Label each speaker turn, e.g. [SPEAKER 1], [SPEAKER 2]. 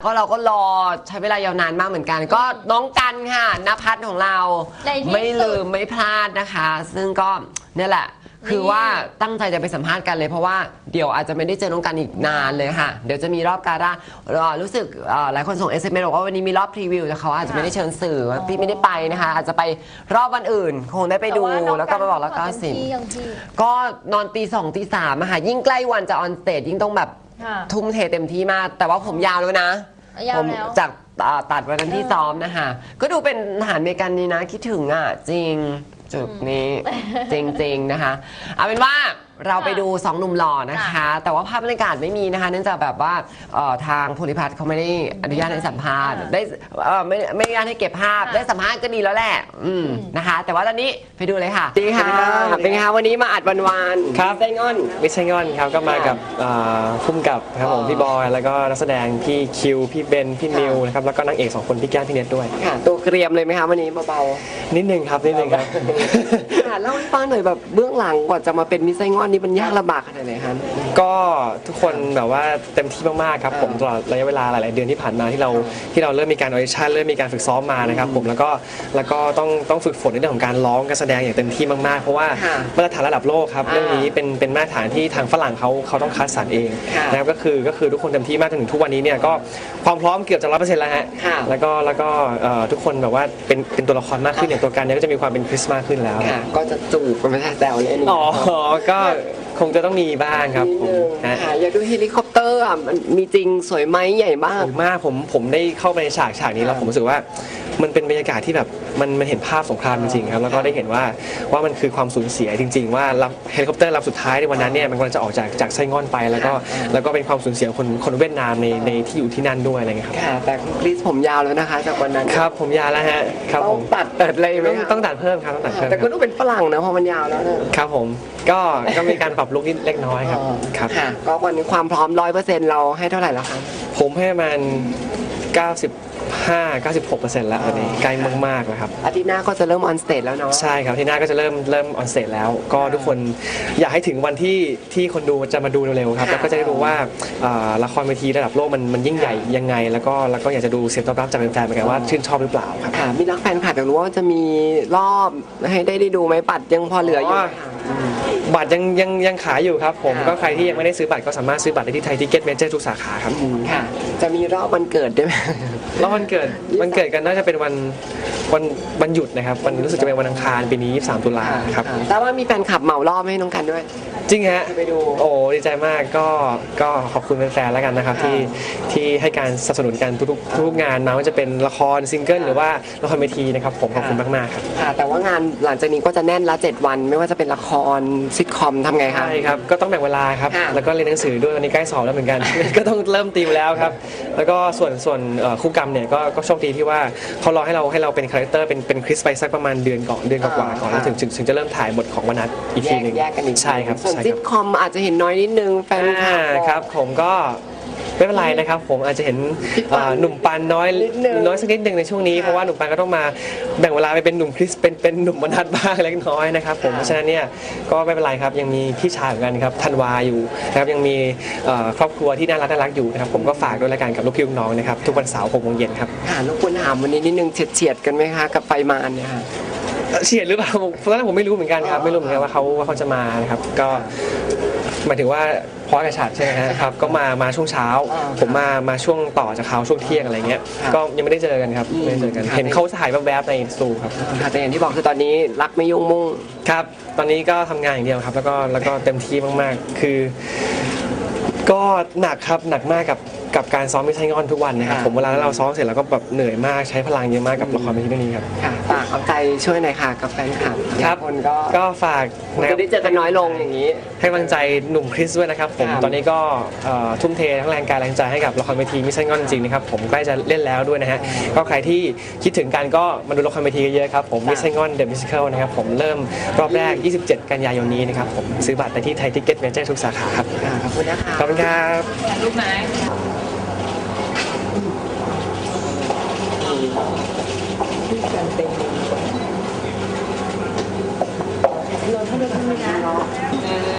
[SPEAKER 1] ก็เราก็รอใช้เวลายาวนานมากเหมือนกัน ก็น้องกันค่ะณภัทรของเราไม่ลืมไม่พลาดนะคะ ซึ่งก็เนี่ยแหละคือว่าตั้งใจจะไปสัมภาษณ์กันเลยเพราะว่าเดี๋ยวอาจจะไม่ได้เจอน้องกันอีกนานเลยค่ะเดี๋ยวจะมีรอบการ่ารู้สึกหลายคนส่ง SMS บอกว่าวันนี้มีรอบพรีวิวแต่เขาอาจจะไม่ได้เชิญสื่อพี่ไม่ได้ไปนะคะอาจจะไปรอบวันอื่นคงได้ไปดูแล้วก็ไปบอกแล้วก็สิก็นอนตี 2 ตี 3อะค่ะยิ่งใกล้วันจะออนสเตจยิ่งต้องแบบทุ่มเทเต็มที่มากแต่ว่าผมยาวแล้วนะผมจากตัดวันนั้นที่ซ้อมนะคะก็ดูเป็นทหารอเมริกันนี่นะคิดถึงอ่ะจริงจุดนี้จริงๆนะคะเอาเป็นว่าเราไปดู2หนุ่มหล่อนะคะแต่ว่าภาพบรรยากาศไม่มีนะคะเนื่องจากแบบว่าทางภูริพัฒน์เขาไม่ได้อนุญาตให้สัมภาษณ์ได้ไม่อนุญาตให้เก็บภาพได้สัมภาษณ์ก็ดีแล้วแหละนะคะแต่ว่าตอนนี้ไปดูเลยค่ะดีค่ะเป็นไงคะวันนี้มาอัดวัน
[SPEAKER 2] ครับ
[SPEAKER 1] ไส้งอน
[SPEAKER 2] วิชัยงอนครับก็มากับพุ่มกับครับผมพี่บอยแล้วก็นักแสดงพี่คิวพี่เบนพี่นิวนะครับแล้วก็นางเอก2คนพี่แก้มพี่เน็ตด้วย
[SPEAKER 1] ค่ะตัวเกรียมเลยไหมคะวันนี้เบา
[SPEAKER 2] ๆนิดนึงครับ
[SPEAKER 1] เล่าให้ฟังหน่อยแบบเบื้องหลังก่อนจะมาเป็นมิสไซงอนนี่มันยากลำบากขนาดไหนคะ
[SPEAKER 2] ก็ทุกคนแบบว่าเต็มที่มากๆครับผมตลอดระยะเวลาหลายๆเดือนที่ผ่านมาที่เราเริ่มมีการออดิชั่นเริ่มมีการฝึกซ้อมมานะครับผมแล้วก็ต้องฝึกฝนในเรื่องของการร้องการแสดงอย่างเต็มที่มากๆเพราะว่ามาตรฐานระดับโลกครับเรื่องนี้เป็นมาตรฐานที่ทางฝรั่งเขาต้องคัดสรรเองนะครับก็คือทุกคนเต็มที่มากจนถึงทุกวันนี้เนี่ยก็ความพร้อมเกือบจะ100%แล้วฮะแล้วก็ทุกคนแบบว่าเป็นตัวละครมากขึ้นอย่างตัวกันเนี่ยก็จะมีความเป็นคริสต์มากขึ้นแล้ว
[SPEAKER 1] ก็จะจูบกันไม่ใช่แซวเลย
[SPEAKER 2] อ๋อก็คงจะต้องมีบ้างครับผม
[SPEAKER 1] อยากดูเฮลิคอปเตอร์อ่ะมันมีจริงสวยไหมใหญ่มาก
[SPEAKER 2] ผมได้เข้าไปในฉากนี้แล้วผมรู้สึกว่ามันเป็นบรรยากาศที่แบบมันเห็นภาพสงครามจริงๆครับแล้วก็ได้เห็นว่ามันคือความสูญเสียจริงๆว่าเฮลิคอปเตอร์ลำสุดท้ายในวันนั้นเนี่ยมันกำลังจะออกจากไส้งอนไปแล้วก็เป็นความสูญเสียคนเวียดนามในที่อยู่ที่นั่นด้วยอะไรเงี้ยครับ
[SPEAKER 1] แต่คริสผมยาวแล้วนะคะจากวันนั้น
[SPEAKER 2] ครับผมยาวแล้วฮะครับผม
[SPEAKER 1] ตัดอะไรไหม
[SPEAKER 2] ต้องตัดเพิ่มครับต้องตัดเพิ่ม
[SPEAKER 1] แต่ก็ต้องเป็นฝรั่งนะพอมันยาวแล้ว
[SPEAKER 2] ครับผมก็มีการปรับลุคนิดเล็กน้อยครับ
[SPEAKER 1] ก็วันนี้ความพร้อม100%เราให้เท่าไหร่แล้วคะ
[SPEAKER 2] ผมให้มัน95-96%แล้วตอนนี้ใกล้มากๆแล้วครับ
[SPEAKER 1] อาทิตย์หน้าก็จะเริ่มออนสเตจแล้วเนาะ
[SPEAKER 2] ใช่ครับอาทิตย์หน้าก็จะเริ่มออนสเตจแล้วก็ทุกคนอยากให้ถึงวันที่คนดูจะมาดูเร็วๆครับแล้วก็จะได้รู้ว่าละครเวทีระดับโลกมันยิ่งใหญ่ยังไงแล้วก็อยากจะดูเสียงตอบรับจากแฟนๆเหมือนกันว่าชื่นชอบหรือเปล่าครับ
[SPEAKER 1] มีนักแฟนคลับอยากรู้ว่าจะมีรอบให้ได้ดูไหมบัตรยังพอเหลืออยู่
[SPEAKER 2] บัตรยังขายอยู่ครับผมก็ใครที่ยังไม่ได้ซื้อบัตรก็สามารถซื้อบัตรได้ที่ไทยทิกเก็ตเมเจอร์ทุกสาขาครับ
[SPEAKER 1] ค่ะจะมีรอบวันเกิดด้วยไหม
[SPEAKER 2] รอบวันเกิดกันน่าจะเป็นวันหยุดนะครับวันรู้สึกจะเป็นวันอังคารปีนี้23 ตุลาครับ
[SPEAKER 1] แต่ว่ามีแฟนคลับเหมารอบให้น้องกันด้วย
[SPEAKER 2] จริงฮะไปดูโอ้ดีใจมากก็ขอบคุณแฟนๆแล้วกันนะครับที่ให้การสนับสนุนกันทุกงานมาว่าจะเป็นละครซิงเกิลหรือว่าละครเวทีนะครับผมขอบคุณมากๆครับ
[SPEAKER 1] แต่ว่างานหลังจากนี้ก็จะแน่นละ7 วันไม่ว่าจะเป็นละครซิทคอมทำไงครับ
[SPEAKER 2] ใช่ครับก็ต้องแบ่งเวลาครับแล้วก็เรียนหนังสือด้วยวันนี้ใกล้สอบแล้วเหมือนกันก็ต้องเริ่มติวแล้วครับแล้วก็ส่วนคู่กรรมเนี่ยก็โชคดีที่ว่าเขารอให้เราเป็นคาแรคเตอร์เป็นคริสไปสักประมาณเดือนกว่าก่อนแล้วถึงจะเริ่มถ่ายบทของวนัทอีกทีนึงใช่ครับ
[SPEAKER 1] ส่วนซิทคอมอาจจะเห็นน้อยนิดนึงแฟน
[SPEAKER 2] ครับผมก็ไม่เป็นไรนะครับผมอาจจะเห็นหนุ่มปันน้อยสักนิดนึงในช่วงนี้เพราะว่าหนุ่มปันก็ต้องมาแบ่งเวลาไปเป็นหนุ่มคริสเป็นหนุ่มวนัทบ้างเล็กน้อยนะครับผมเพราะฉะนั้นเนี่ยก็ไม่เป็นไรครับยังมีพี่ชายเหมือนกันครับธันวาอยู่นะครับยังมีครอบครัวที่น่ารักอยู่นะครับผมก็ฝากด้วยละกันกับลูกพี่ลูกน้องนะครับทุกวันเสาร์ 6 โมงเย็นครับ
[SPEAKER 1] ลูกคุณถามวันนี้นิดนึงเฉียดกันไหมคะกับไฟมารเนี่ยค่ะ
[SPEAKER 2] เฉียดหรือเปล่าตอนนั้นผมไม่รู้เหมือนกันครับไม่รู้เหมือนกันว่าเขาจะมานะครับก็หมายถึงว่าพอกับฉากใช่ไหมครับก็มาช่วงเช้าผมมาช่วงต่อจากเขาช่วงเที่ยงอะไรเงี้ยก็ยังไม่ได้เจอกันครับไม่ได้เจอกันเห็นเขาถ่ายแวบๆในสตูครับ
[SPEAKER 1] แต่อย่างที่บอกคือตอนนี้รักไม่ยุ่งมุ่ง
[SPEAKER 2] ครับตอนนี้ก็ทำงานอย่างเดียวครับแล้วก็เต็มที่มากๆคือก็หนักครับหนักมากกับการซ้อมมิสไซงอนทุกวันนะครับผมเวลาเราซ้อมเสร็จแล้วก็แบบเหนื่อยมากใช้พลังเยอะมากกับละครเวทีเรื่องนี้ครับ
[SPEAKER 1] ฝากเอาใจช่วยหน่อยค่ะกับแฟนคลับ
[SPEAKER 2] ครับก็ฝาก
[SPEAKER 1] จะได้เจอกันน้อยลงอย่างนี้
[SPEAKER 2] ให้กำลังใจหนุ่มคริสด้วยนะครับผมตอนนี้ก็ทุ่มเททั้งแรงกายแรงใจให้กับละครเวทีมิสไซงอนจริงๆนะครับผมใกล้จะเล่นแล้วด้วยนะฮะก็ใครที่คิดถึงกันก็มาดูละครเวทีเยอะๆครับผมมิสไซงอนเดอะมิวสิคัลนะครับผมเริ่มรอบแรก27 กันยายนนี้นะครับผมซื้อบัตรได้ที่ไทยทิกเก็ตเมเจอร์ทุกสาขาครับ
[SPEAKER 1] ขอบคุณนะคะ
[SPEAKER 2] ขอบคุณครับ
[SPEAKER 3] รูปไหน
[SPEAKER 1] การเต็มเราถ้าเราทำไม่ได้